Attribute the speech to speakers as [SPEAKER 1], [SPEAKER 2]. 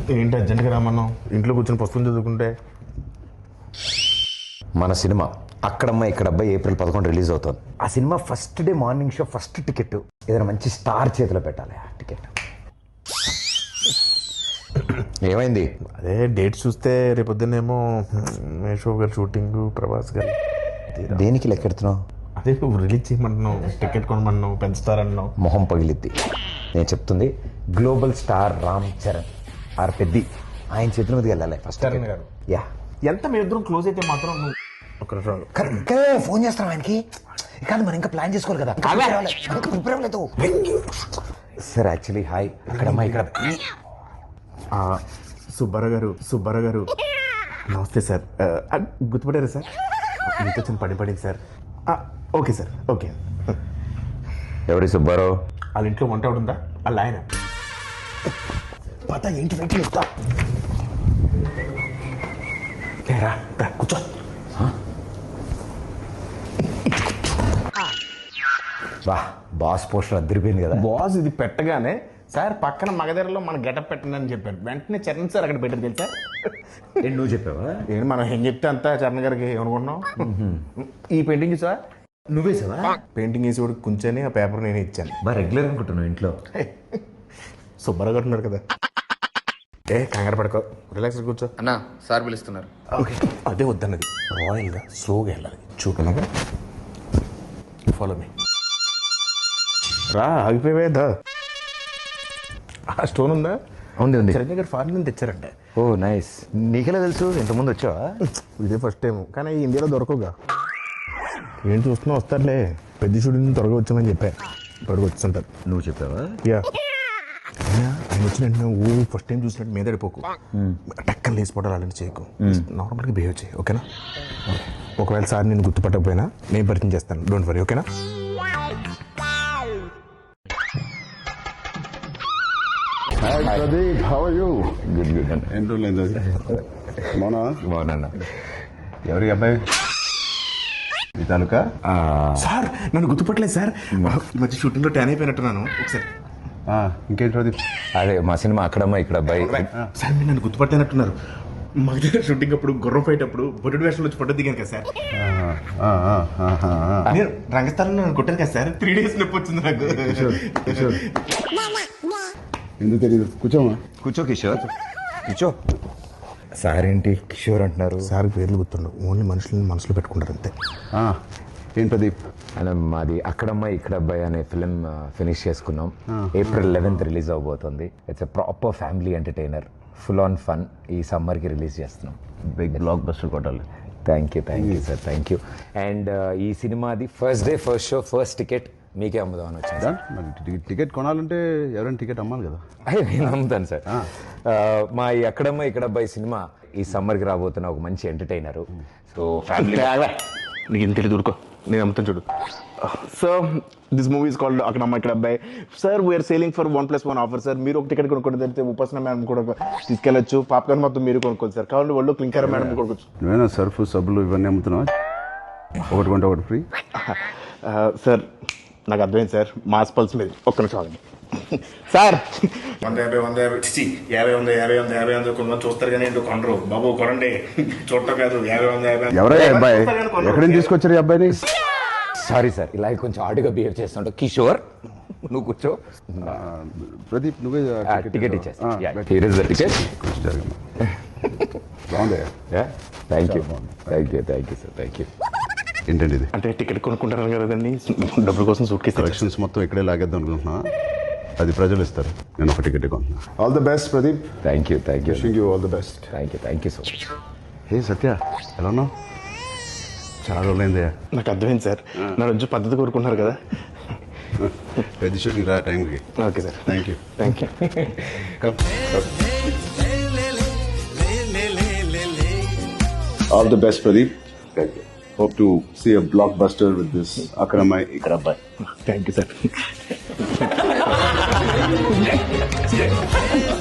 [SPEAKER 1] ఏంటి అర్జెంట్గా రామన్నావు? ఇంట్లో కూర్చొని పుస్తకం చదువుకుంటే.
[SPEAKER 2] మన cinema Akkadamma Ikkadabbayi April 11 release అవుతుంది. ఆ సినిమా first day morning show first ticket ఏదైనా మంచి స్టార్ చేతిలో పెట్టాలి. ఆ టికెట్ ఏమైంది?
[SPEAKER 1] అదే డేట్ చూస్తే రేపొద్దునేమో మేషో గారు షూటింగ్, ప్రభాస్ గారు.
[SPEAKER 2] దేనికి లెక్కెడుతున్నావు?
[SPEAKER 1] అదే నువ్వు రిలీజ్ చేయమంటున్నావు, టికెట్ కొనమన్నావు, పెంచుతారన్నావు.
[SPEAKER 2] మొహం పగిలిద్ది. నేను చెప్తుంది global star Ram Charan R Peddi ఆయన చేతుల మీదకి వెళ్ళాలి ఫస్ట్.
[SPEAKER 1] చరణ్ గారు
[SPEAKER 2] యా
[SPEAKER 1] ఎంత మీ ఇద్దరం క్లోజ్ అయితే మాత్రం నువ్వు ఒక
[SPEAKER 2] ఫోన్ చేస్తాను ఆయనకి. కాదు మనం ఇంకా ప్లాన్ చేసుకోవాలి కదా. ప్రిపేర్ అవ్వలేదు సార్. యాక్చువల్లీ హాయ్ అక్కడమ్మా ఇక్కడ
[SPEAKER 1] సుబ్బారావు గారు నమస్తే సార్. గుర్తుపడారా సార్? మీతో చిన్న పడింది సార్. Okay sir, okay.
[SPEAKER 2] ఎవరి సుబ్బారావు?
[SPEAKER 1] వాళ్ళ ఇంట్లో వంట ఉందా? వాళ్ళ ఆయన పత ఏంటి వెయిట్ చేస్తా. కూర్చో.
[SPEAKER 2] బా బాస్ పోస్టర్ అద్దరిపోయింది కదా.
[SPEAKER 1] బాస్ ఇది పెట్టగానే సార్ పక్కన మగధరలో మన గెటప్ పెట్టండి అని చెప్పాను. వెంటనే చరణ్ సార్ అక్కడ పెట్టారు తెలుసా.
[SPEAKER 2] నువ్వు చెప్పావా?
[SPEAKER 1] ఏంటి మనం ఏం చెప్తే అంతా చరణ్ గారికి ఏమనుకుంటున్నాం. ఈ పెయింటింగ్ చూసా?
[SPEAKER 2] నువ్వే సార్
[SPEAKER 1] పెయింటింగ్ వేసి కూడా కూర్చొని ఆ పేపర్ నేనే ఇచ్చాను.
[SPEAKER 2] బా రెగ్యులర్ అనుకుంటున్నావు ఇంట్లో.
[SPEAKER 1] సుబ్బారావు ఉన్నారు కదా. కంగారు పడుకో, రిలాక్స్ కూర్చో.
[SPEAKER 3] అన్నా సార్ పిలుస్తున్నారు.
[SPEAKER 1] ఓకే అదే వద్దన్నది. రాయల్గా స్లోగా వెళ్ళాలి. చూడగా ఫాలో మీ. రా ఆగిపోయేదా? ఆ స్టోన్ ఉందా?
[SPEAKER 2] ఉంది.
[SPEAKER 1] చిరంజీవి గారు ఫారిన్ నుంచి తెచ్చారంట.
[SPEAKER 2] ఓ నైస్. నీకెలా తెలుసు? ఇంతకుముందు వచ్చావా?
[SPEAKER 1] ఇదే ఫస్ట్ టైం, కానీ ఇండియాలో దొరకవుగా. ఏంటి చూస్తున్నా? వస్తారులే, పెద్ద షూటింగ్ త్వరగా వచ్చామని చెప్పా. త్వరగా వచ్చుంటారు.
[SPEAKER 2] నువ్వు చెప్పావా?
[SPEAKER 1] యా. ఆయన వచ్చిన వెంటనే ఫస్ట్ టైం చూసినట్టు మీద పడిపోకు. టక్కన లేచిపోవడాలు అలాంటి చేయకు. నార్మల్గా బిహేవ్ చేయి, ఓకేనా? ఒకవేళ సార్ నేను గుర్తుపట్టకపోయినా నేను పరిచయం చేస్తాను, డోంట్ వరీ, ఓకేనా?
[SPEAKER 2] బాగున్నా.
[SPEAKER 4] ఎవరి అబ్బాయి? మీ తాలూకా?
[SPEAKER 1] సార్ నన్ను గుర్తుపట్టలేదు సార్. ఈ మధ్య షూటింగ్లో ట్యాన్ అయిపోయినట్టున్నాను. ఒకసారి
[SPEAKER 4] ఇంకేంటి ప్రదీప్?
[SPEAKER 2] అదే మా సినిమా అక్కడమ్మా ఇక్కడ అబ్బాయి.
[SPEAKER 1] సార్ మీరు నన్ను గుర్తుపట్టినట్టున్నారు. మా దగ్గర షూటింగ్ అప్పుడు గుర్రం ఫైట్ అప్పుడు బొడ్డు వేషంలో వచ్చి ఫోటో దిగాను కదా సార్. నేను రంగస్థలంలో నన్ను కొట్టాను కదా సార్. 3 days నొప్పి వచ్చింది నాకు.
[SPEAKER 4] ఎందుకు తెలియదు? కూర్చోమా.
[SPEAKER 2] కూర్చో కిషోర్, కూర్చో. సార్ ఏంటి కిషోర్ అంటున్నారు?
[SPEAKER 1] సార్ పేర్లు గుర్తుండవు, ఓన్లీ మనుషులను మనసులో పెట్టుకుంటారు అంతే.
[SPEAKER 4] ఏంటి ప్రదీప్?
[SPEAKER 2] అలా మాది అక్కడమ్మ ఇక్కడ అబ్బాయి అనే ఫిలిం ఫినిష్ చేసుకున్నాం. April 11 రిలీజ్ అవబోతుంది. It's a proper family entertainer, full on fun. ఈ సమ్మర్కి రిలీజ్ చేస్తున్నాం.
[SPEAKER 4] బిగ్ బ్లాక్ బస్టర్ కొట్టాలి.
[SPEAKER 2] Thank you sir, thank you. And ఈ సినిమాది first day first show first ticket మీకే అమ్ముదామని వచ్చింది.
[SPEAKER 4] మరి టికెట్ కొనాలంటే ఎవరైనా టికెట్ అమ్మాలి కదా.
[SPEAKER 2] నేను అమ్ముతాను సార్. మా ఈ అక్కడమ్మ ఇక్కడ అబ్బాయి సినిమా ఈ సమ్మర్కి రాబోతున్న ఒక మంచి ఎంటర్టైనర్. సో ఫ్యామిలీ
[SPEAKER 1] నీకు ఇంత తెలియదు, ఊరుకో, నేను అమ్ముతాను చూడు. Sir this movie is called Akkadamma Ikkada Abbayi. Sir we are selling for 1+1 offer sir. మీరు ఒక టికెట్ కొనుక్కోండి, తెలిస్తే ఉపాసన మేడం కూడా తీసుకెళ్ళచ్చు. పాప్కార్న్ మొత్తం మీరు కొనుక్కోండి సార్. కావాలంటే వాళ్ళు క్లింకర్ మేడం కొనుక్కోవచ్చు.
[SPEAKER 4] నువ్వేనా సర్ఫ్ సబ్బులు ఇవన్నీ అమ్ముతున్నావా? ఒకటి కొంటే ఒకటి ఫ్రీ.
[SPEAKER 1] సార్ నాకు అర్థమైంది సార్, మాస్ పల్స్ మీద. ఒక్క నిమిషం ఆగండి సార్. 150 కొంతమంది చూస్తారు కానీ ఏంటో కొనరు. బాబు కొనండి, చూడటం కాదు. 50
[SPEAKER 4] ఎవరయ్యా అబ్బాయి? ఎక్కడి నుంచి తీసుకొచ్చారు ఈ అబ్బాయిని?
[SPEAKER 2] సారీ సార్, ఇలా కొంచెం ఆడుగా బిహేవ్ చేస్తుంటావు. కిషోర్ నువ్వు కూర్చో.
[SPEAKER 4] ప్రదీప్ నువ్వే
[SPEAKER 2] టికెట్ ఇచ్చేస్తా.
[SPEAKER 4] బాగుంది.
[SPEAKER 2] Thank you sir, thank you.
[SPEAKER 4] ఏంటండి ఇది?
[SPEAKER 1] అంటే టికెట్ కొనుక్కుంటారు కదండి, డబ్బుల కోసం సూట్ కేసు
[SPEAKER 4] కలెక్షన్స్ మొత్తం ఇక్కడే లాగేద్దాం అనుకుంటున్నా. అది ప్రజలు ఇస్తారు, నేను ఒక టికెట్ కొంటున్నా. All the best Pradeep.
[SPEAKER 2] Thank you
[SPEAKER 4] wishing you all the best.
[SPEAKER 2] Thank you so much.
[SPEAKER 4] Hey Satya, ఎలా ఉన్నావు? చాలా రోజులైందయ్యా.
[SPEAKER 1] నాకు అర్థమైంది సార్, నా రోజు పద్ధతి కోరుకుంటున్నారు కదా.
[SPEAKER 4] పెద్ద షూటింగ్ రా టైంకి.
[SPEAKER 1] Okay sir,
[SPEAKER 4] thank you. All the best Pradeep. Hope to see a blockbuster with this Akramai Ikrabbai.
[SPEAKER 1] Thank you, sir.